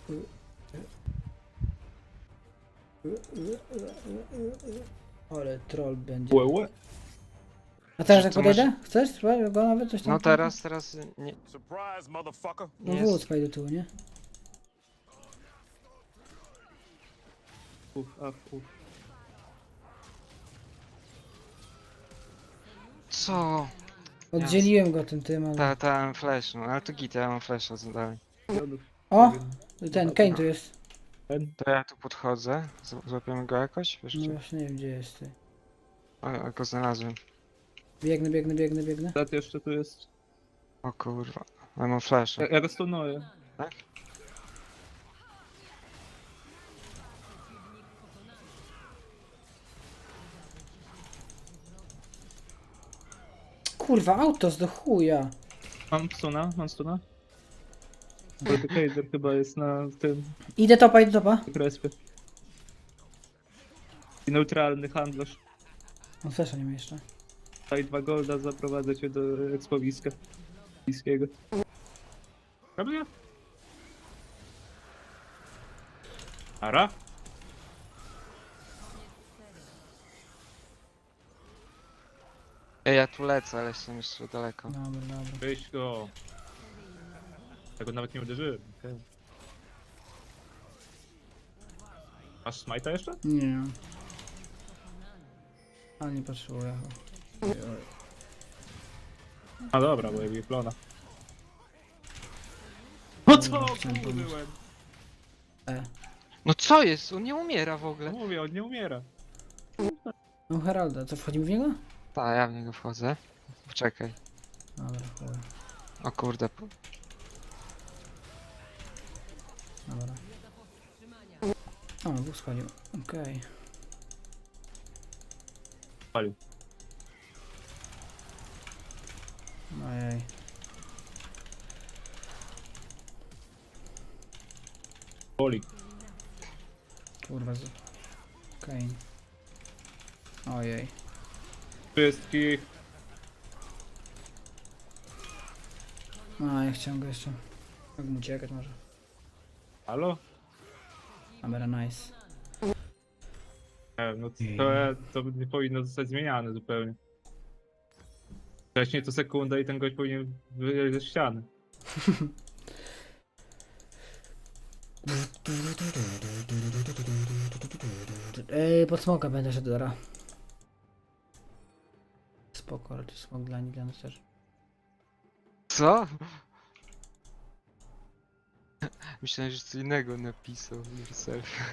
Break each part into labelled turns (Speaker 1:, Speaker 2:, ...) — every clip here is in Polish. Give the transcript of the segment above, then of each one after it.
Speaker 1: Ale troll będzie.
Speaker 2: Łe.
Speaker 1: A teraz
Speaker 3: Czy
Speaker 1: jak
Speaker 3: to masz-
Speaker 1: podejdę? Chcesz? Spróbuj go nawet coś tam?
Speaker 3: No teraz nie,
Speaker 4: Surprise, motherfucker.
Speaker 1: No
Speaker 3: nie
Speaker 1: wód
Speaker 3: jest...
Speaker 1: do tyłu, nie?
Speaker 2: Uf.
Speaker 3: Co?
Speaker 1: Oddzieliłem go tym, ale...
Speaker 3: Ta mam flash, no ale to git, ja mam flasha, co dalej.
Speaker 1: O! Ten, Kane tu jest.
Speaker 3: To ja tu podchodzę, złapiemy go jakoś, wiesz
Speaker 1: No
Speaker 3: gdzie?
Speaker 1: właśnie nie wiem gdzie jest ty.
Speaker 3: O, go znalazłem.
Speaker 1: Biegnę.
Speaker 2: Zat jeszcze tu jest.
Speaker 3: O kurwa, ale mam flasha.
Speaker 2: Ja go stunuję.
Speaker 3: Tak?
Speaker 1: Kurwa, autos do chuja.
Speaker 2: Mam stuna. Kaiser chyba jest na tym
Speaker 1: Idę topa.
Speaker 2: respie. I neutralny handlarz.
Speaker 1: On flesza nie ma jeszcze.
Speaker 2: Daj 2 golda, zaprowadzę cię do ekspowiska. Bliskiego. Dobra? Ara?
Speaker 3: Ej, ja tu lecę, ale jestem jeszcze daleko.
Speaker 1: Dobra.
Speaker 2: Weź go. Ja go nawet nie uderzyłem. Okay. Masz smite'a jeszcze?
Speaker 1: Nie. Ale nie potrzebuję.
Speaker 2: A dobra, bo ja plona. No co?
Speaker 1: chciałem pomóc.
Speaker 2: Byłem.
Speaker 3: No co jest? On nie umiera w ogóle.
Speaker 2: Mówię, on nie umiera.
Speaker 1: No Heralda, co wchodzimy w niego?
Speaker 3: Tak, ja w niego wchodzę. Poczekaj.
Speaker 1: Dobra, chuj.
Speaker 3: O kurde.
Speaker 1: Dobra. O, Bóg schodził. Okej.
Speaker 2: Palił.
Speaker 1: Ojej.
Speaker 2: Boli.
Speaker 1: Kurwa. Kane. Ojej.
Speaker 2: Wszystkich.
Speaker 1: A, ja chciałem go jeszcze. Jak mu uciekać może.
Speaker 2: Halo?
Speaker 1: Dobra, nice.
Speaker 2: Nie wiem, no to nie powinno zostać zmieniane zupełnie. Wcześniej to sekunda i ten gość powinien wyjść ze ściany.
Speaker 1: Pod smoka będę szedł dobra. Spoko, raczej smok dla nas też.
Speaker 3: Co? Myślałem, że co innego napisał yourself.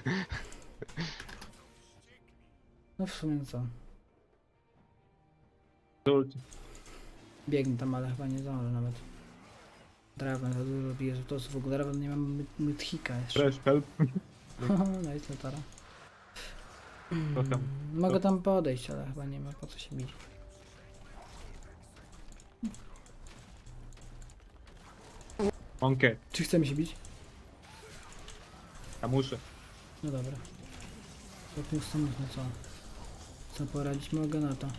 Speaker 1: No w sumie co.
Speaker 2: Ulti.
Speaker 1: Biegnę tam, ale chyba nie zdążę nawet. Draven za dużo bije z w ogóle Draven nie mam mythika jeszcze.
Speaker 2: Fresh help.
Speaker 1: Nice, latara.
Speaker 2: Kocham.
Speaker 1: Mogę tam podejść, ale chyba nie ma po co się bić.
Speaker 2: Onkę.
Speaker 1: Czy chcemy się bić?
Speaker 2: Ja muszę.
Speaker 1: No dobra. Stopniu samotny, co? Co poradzić mogę na to?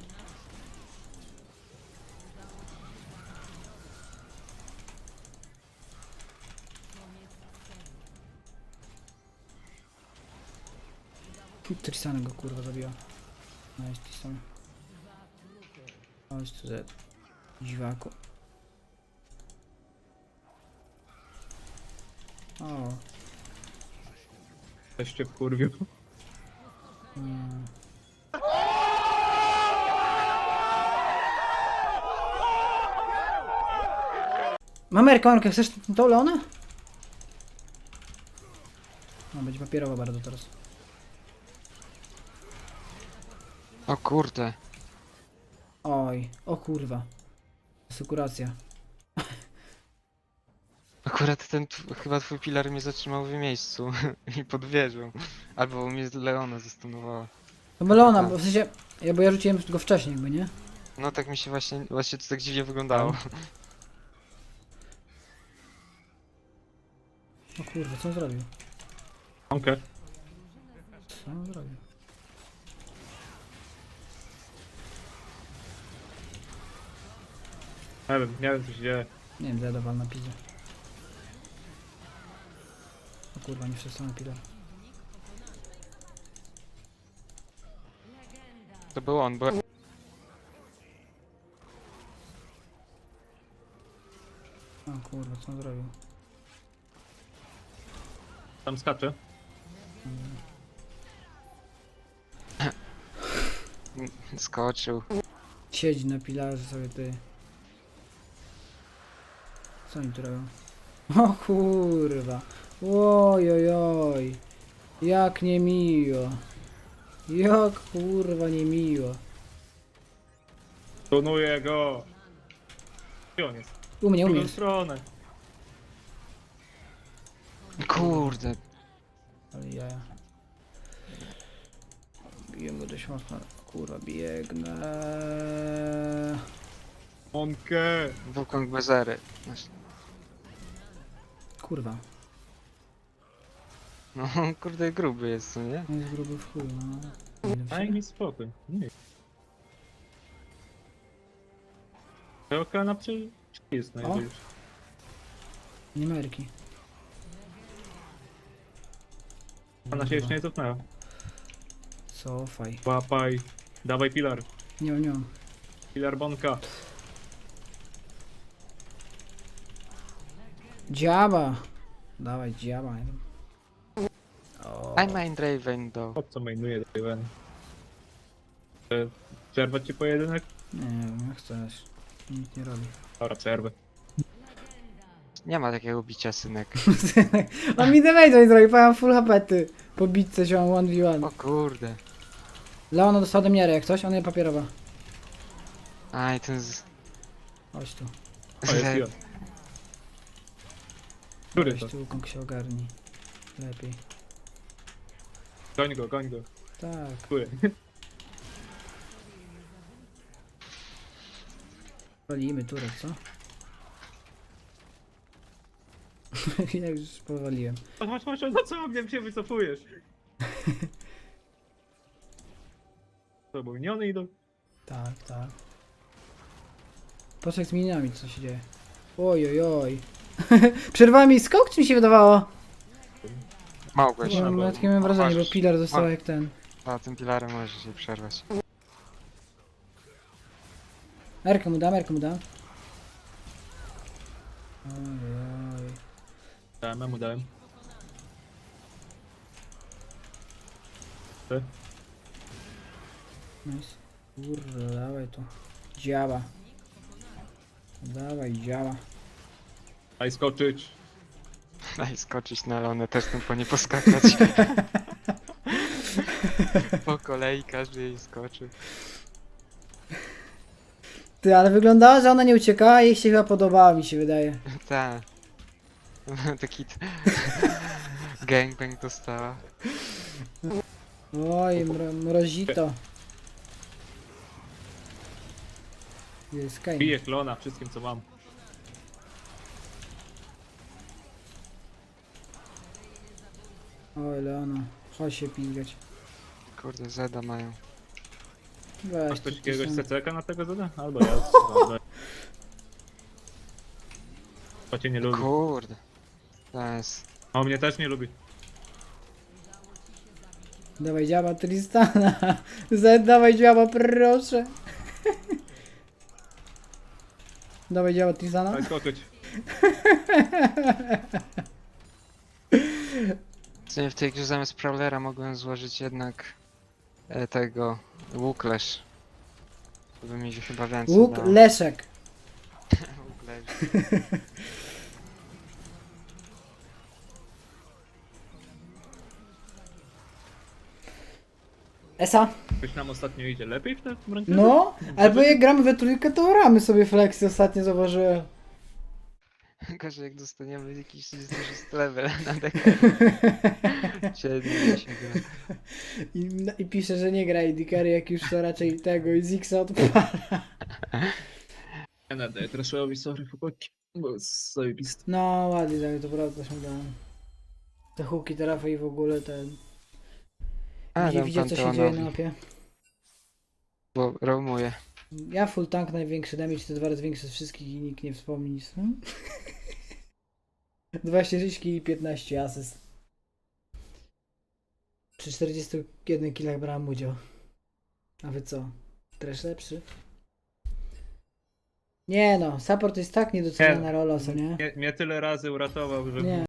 Speaker 1: Tristana go kurwa zabiła. Nice Tristan. Chodź tu Z. Dziwaku. O.
Speaker 2: Też cię wkurwił.
Speaker 1: Nie. Mamerka, chcesz tą Leonę? No, będzie papierowa bardzo teraz.
Speaker 3: O kurde.
Speaker 1: Oj, o kurwa. Sekuracja.
Speaker 3: Akurat chyba twój pilar mnie zatrzymał w miejscu i pod wieżą. Albo mnie Leona zastanowała.
Speaker 1: To był Leona, bo w sensie, bo ja rzuciłem go wcześniej jakby, nie?
Speaker 3: No tak mi się właśnie to tak dziwnie wyglądało.
Speaker 1: O kurwa, co on zrobił?
Speaker 2: Onkę.
Speaker 1: Co on zrobił?
Speaker 2: Nie wiem co się dzieje.
Speaker 1: Nie wiem, zadawal na pizę. O kurwa, nie przestanę pilar.
Speaker 3: To był on, bo...
Speaker 1: O kurwa, co on zrobił?
Speaker 2: Tam skacze.
Speaker 3: Skoczył.
Speaker 1: Siedzi na pilarze sobie ty. Co oni tu robią? O kurwa. Oj, oj, oj. Jak niemiło. Jak kurwa niemiło.
Speaker 2: Tunuję go. Gdzie on jest?
Speaker 1: U mnie,
Speaker 2: W
Speaker 1: u
Speaker 2: drugą
Speaker 1: mnie.
Speaker 2: stronę.
Speaker 3: Kurde.
Speaker 1: Ale jaja. Biję go dość mocno. Kurwa, biegnę.
Speaker 2: Monkę.
Speaker 3: Wukong bez ery.
Speaker 1: Kurwa.
Speaker 3: No kurde gruby jest, co nie?
Speaker 1: On jest gruby w chuj, no.
Speaker 2: Daj mi spokój. Nie. Pełka na jest najwyżej.
Speaker 1: Nie ma Erki.
Speaker 2: Ona się jeszcze nie cofnęła.
Speaker 1: Cofaj.
Speaker 2: Łapaj. Dawaj pilar.
Speaker 1: Nie mam, nie mam.
Speaker 2: Pilar Bonka.
Speaker 1: Dziaba! Dawaj, dziaba. O,
Speaker 3: I mind Raven do.
Speaker 2: Po co mainuje Draven? Przerwać ci pojedynek?
Speaker 1: nie wiem, jak chcesz. Nikt nie robi.
Speaker 2: Dobra, przerwę.
Speaker 3: Nie ma takiego bicia, synek.
Speaker 1: On mi damage nie zrobi, powiem full HP ty. Po bitce się mam 1v1.
Speaker 3: O kurde.
Speaker 1: Leona dostała do miary jak coś, ona je papierowa.
Speaker 3: Aj, ten z...
Speaker 1: Chodź tu.
Speaker 2: O, jest Jon. Który
Speaker 1: Weź
Speaker 2: to?
Speaker 1: tu, Kong się ogarni. Lepiej.
Speaker 2: Goń go, goń go.
Speaker 1: Tak.
Speaker 2: Który?
Speaker 1: Walimy turek, co? Ja już powaliłem.
Speaker 2: Chodź, no co mnie się wycofujesz? To był miniony idą.
Speaker 1: Tak, tak. Patrz jak z miniami co się dzieje. Oj, oj, oj. Przerwała mi skok, czy mi się wydawało?
Speaker 3: Mogłeś.
Speaker 1: Ja mam takie mam wrażenie, bo pilar dostał jak ten.
Speaker 3: A tym pilarem możesz się przerwać.
Speaker 1: Erkę mu dam, Erkę mu dam. Oj, oj.
Speaker 2: Dałem, mu dałem. Ty?
Speaker 1: Nice. Kurde, dawaj tu. Działa. Dawaj, działa.
Speaker 2: Daj skoczyć.
Speaker 3: Daj skoczyć na Leonę, też tym po nie poskakać. Po kolei każdy jej skoczy.
Speaker 1: Ty, ale wyglądała, że ona nie uciekała, jej się chyba podobała, mi się wydaje.
Speaker 3: Tak. Taki gangbang dostała.
Speaker 1: Oj, mrozito. Jest Kain.
Speaker 2: Biję klona wszystkim co mam.
Speaker 1: Oj, Leona. Chodź się pingać.
Speaker 3: Kurde, Zeda mają.
Speaker 1: Weź
Speaker 2: Masz
Speaker 1: tu,
Speaker 2: ktoś
Speaker 1: tu
Speaker 2: jakiegoś
Speaker 1: są-
Speaker 2: CCK na tego zada? Albo ja. Dobra. To cię nie lubi.
Speaker 3: Kurde. To jest...
Speaker 2: A on mnie też nie lubi.
Speaker 1: Dawaj działa Tristana. Zed, dawaj działa, proszę. Dawaj działa Tristana.
Speaker 2: Daj skoczyć.
Speaker 3: Co nie, w tej grze zamiast Prowlera mogłem złożyć jednak tego Łuklesz. To by mi się chyba więcej
Speaker 1: Łuk
Speaker 3: dało.
Speaker 1: Leszek.
Speaker 3: Łuklesz.
Speaker 1: Esa.
Speaker 2: Ktoś nam ostatnio idzie lepiej w tym rankingu?
Speaker 1: No, albo jak gramy we trójkę, to ramy sobie flexy ostatnio zauważyłem.
Speaker 3: Gorzej jak dostaniemy jakiś duży level na dekę. 7, 10
Speaker 1: I pisze, że nie gra AD Carry, jak już to raczej tego i Zixa odpala.
Speaker 2: Ja nadaję Trashowi, sorry chłopaki. Bo jest zajebisty.
Speaker 1: No ładnie, tak, to prawda się dałem. Te huki, trafy i w ogóle ten...
Speaker 3: A,
Speaker 1: Gdzie
Speaker 3: dam
Speaker 1: widzę co się dzieje na
Speaker 3: Panteonowi,
Speaker 1: mapie.
Speaker 3: bo roamuje.
Speaker 1: Ja full tank, największy damage, to 2 razy większy z wszystkich i nikt nie wspomni nic. 26 kg i 15 asyst. przy 41 killach brałem udział. A wy co? Trash lepszy? Nie no, support jest tak niedoceniana rola, co nie?
Speaker 2: Mnie tyle razy uratował, że
Speaker 1: Nie.